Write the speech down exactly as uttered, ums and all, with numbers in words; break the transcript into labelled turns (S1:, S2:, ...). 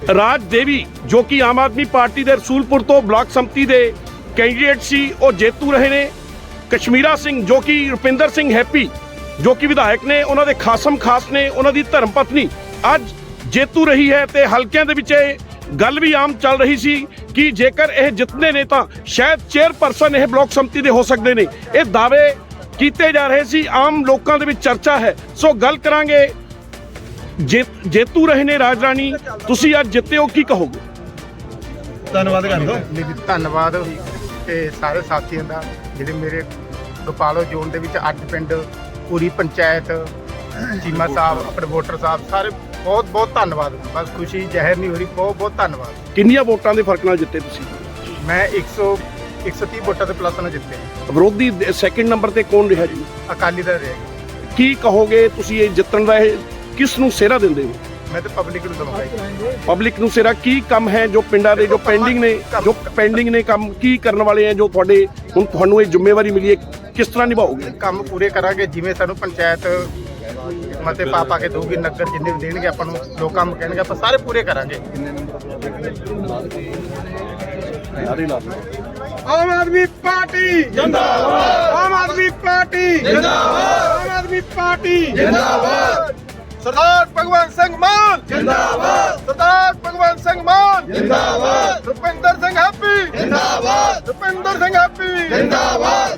S1: ਰਾਜ ਦੇਵੀ ਜੋ ਕਿ ਆਮ ਆਦਮੀ ਪਾਰਟੀ ਦੇ ਰਸੂਲਪੁਰ ਤੋਂ ਬਲਾਕ ਸੰਮਤੀ ਦੇ ਕੈਂਡੀਡੇਟ ਸੀ, ਉਹ ਜੇਤੂ ਰਹੇ ਨੇ। ਕਸ਼ਮੀਰਾ ਸਿੰਘ ਜੋ ਕਿ ਰੁਪਿੰਦਰ ਸਿੰਘ ਹੈਪੀ ਜੋ ਕਿ ਵਿਧਾਇਕ ਨੇ, ਉਹਨਾਂ ਦੇ ਖਾਸਮ ਖਾਸ ਨੇ, ਉਹਨਾਂ ਦੀ ਧਰਮ ਪਤਨੀ ਅੱਜ ਜੇਤੂ ਰਹੀ ਹੈ। ਤੇ ਹਲਕਿਆਂ ਦੇ ਵਿੱਚ ਇਹ ਗੱਲ ਵੀ ਆਮ ਚੱਲ ਰਹੀ ਸੀ ਕਿ ਜੇਕਰ ਇਹ ਜਿੱਤਦੇ ਨੇ ਤਾਂ ਸ਼ਾਇਦ ਚੇਅਰਪਰਸਨ ਇਹ ਬਲਾਕ ਸੰਮਤੀ ਦੇ ਹੋ ਸਕਦੇ ਨੇ। ਇਹ ਦਾਅਵੇ ਕੀਤੇ ਜਾ ਰਹੇ ਸੀ, ਆਮ ਲੋਕਾਂ ਦੇ ਵਿੱਚ ਚਰਚਾ ਹੈ। ਸੋ ਗੱਲ ਕਰਾਂਗੇ, ਜੇ ਜੇਤੂ ਰਹੇ ਨੇ ਰਾਜ ਰਾਣੀ, ਤੁਸੀਂ ਅੱਜ ਜਿੱਤੇ ਹੋ, ਕੀ ਕਹੋਗੇ?
S2: ਧੰਨਵਾਦ ਕਰ ਦੋ।
S3: ਧੰਨਵਾਦ ਤੇ ਸਾਰੇ ਸਾਥੀਆਂ ਦਾ ਜਿਹੜੇ ਮੇਰੇ ਗੋਪਾਲੋ ਜ਼ੋਨ ਦੇ ਵਿੱਚ ਅੱਠ ਪਿੰਡ, ਪੂਰੀ ਪੰਚਾਇਤ, ਚੀਮਾ ਸਾਹਿਬ, ਆਪਣੇ ਵੋਟਰ ਸਾਹਿਬ, ਸਾਰੇ ਬਹੁਤ ਬਹੁਤ ਧੰਨਵਾਦ। ਬਸ ਖੁਸ਼ੀ ਜ਼ਹਿਰ ਨਹੀਂ ਹੋ ਰਹੀ, ਬਹੁਤ ਬਹੁਤ ਧੰਨਵਾਦ।
S1: ਕਿੰਨੀਆਂ ਵੋਟਾਂ ਦੇ ਫਰਕ ਨਾਲ ਜਿੱਤੇ ਤੁਸੀਂ?
S3: ਮੈਂ ਇੱਕ ਸੌ ਇੱਕ ਸੌ ਤੀਹ ਵੋਟਾਂ ਦੇ ਪਲੱਸ ਨਾਲ ਜਿੱਤੇ।
S1: ਵਿਰੋਧੀ ਸੈਕਿੰਡ ਨੰਬਰ ਤੇ ਕੌਣ ਰਿਹਾ ਜੀ?
S3: ਅਕਾਲੀ ਦਲ ਰਹੇਗੀ।
S1: ਕੀ ਕਹੋਗੇ ਤੁਸੀਂ ਇਹ ਜਿੱਤਣ ਦਾ, ਇਹ ਕਿਸ ਨੂੰ ਸਿਹਰਾ ਦਿੰਦੇ ਹੋ?
S3: ਮੈਂ ਤਾਂ ਪਬਲਿਕ ਨੂੰ ਦਵਾਂਗਾ।
S1: ਪਬਲਿਕ ਨੂੰ ਸਿਹਰਾ ਕੀ ਕੰਮ ਹੈ ਜੋ ਪਿੰਡਾਂ ਦੇ ਜੋ ਪੈਂਡਿੰਗ ਨੇ, ਜੋ ਪੈਂਡਿੰਗ ਨੇ ਕੰਮ ਕੀ ਕਰਨ ਵਾਲੇ ਹੈ, ਜੋ ਤੁਹਾਡੇ ਹੁਣ ਤੁਹਾਨੂੰ ਇਹ ਜ਼ਿੰਮੇਵਾਰੀ ਮਿਲੀ ਹੈ, ਕਿਸ ਤਰ੍ਹਾਂ ਨਿਭਾਓਗੇ?
S3: ਕੰਮ ਪੂਰੇ ਕਰਾਂਗੇ ਜਿਵੇਂ ਸਾਨੂੰ ਪੰਚਾਇਤ ਮਤੇ ਪਾ ਪਾ ਕੇ ਦਊਗੀ, ਨਗਰ ਜਿੰਨੇ ਵੀ ਦੇਣਗੇ ਆਪਾਂ ਨੂੰ, ਲੋਕ ਕੰਮ ਕਹਿਣਗੇ ਆਪਾਂ ਸਾਰੇ ਪੂਰੇ ਕਰਾਂਗੇ। ਆਮ ਆਦਮੀ ਪਾਰਟੀ ਜਿੰਦਾਬਾਦ, ਆਮ ਆਦਮੀ ਪਾਰਟੀ ਜਿੰਦਾਬਾਦ, ਆਮ ਆਦਮੀ ਪਾਰਟੀ ਜਿੰਦਾਬਾਦ। ਸਰਦਾਰ ਭਗਵੰਤ ਸਿੰਘ ਮਾਨ ਜਿੰਦਾਬਾਦ, ਸਰਦਾਰ ਭਗਵੰਤ ਸਿੰਘ ਮਾਨ ਜਿੰਦਾਬਾਦ, ਰੁਪਿੰਦਰ ਸਿੰਘ ਹੈਪੀ ਜਿੰਦਾਬਾਦ, ਰੁਪਿੰਦਰ ਸਿੰਘ ਹੈਪੀ ਜਿੰਦਾਬਾਦ।